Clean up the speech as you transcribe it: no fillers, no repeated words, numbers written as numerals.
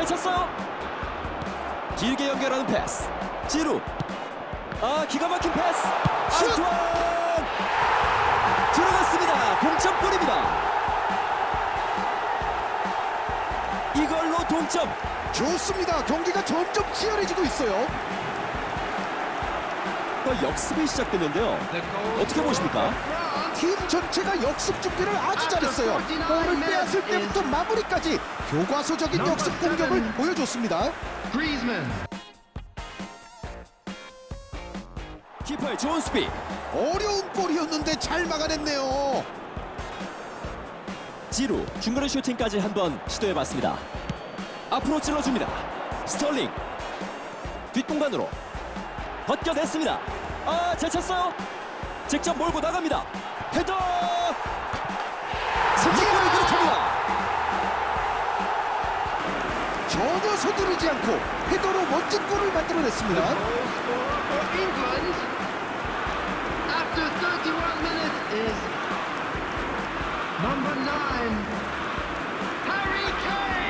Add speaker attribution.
Speaker 1: 찼어요. 길게 연결하는 패스. 지루. 기가 막힌 패스.
Speaker 2: 슛!
Speaker 1: 안투안 들어갔습니다. 동점골입니다. 이걸로 동점.
Speaker 2: 좋습니다. 경기가 점점 치열해지고 있어요.
Speaker 1: 역습이 시작됐는데요. 어떻게 보십니까?
Speaker 2: 팀 전체가 역습 준비를 아주 잘했어요. 볼을 빼앗을 때부터 마무리까지 교과서적인 역습 공격을 보여줬습니다.
Speaker 1: 키퍼의 좋은 수비.
Speaker 2: 어려운 볼이었는데 잘 막아냈네요.
Speaker 1: 지루 중거리 슈팅까지 한번 시도해봤습니다. 앞으로 찔러줍니다. 스털링 뒷공간으로 벗겨냈습니다. 잘 찼어요. 직접 몰고 나갑니다. 헤더 선제골을 기록합니다.
Speaker 2: 전혀 서두르지 않고 헤더로 멋진 골을 만들어냈습니다.
Speaker 3: After 31 minutes is number 9, Harry Kane!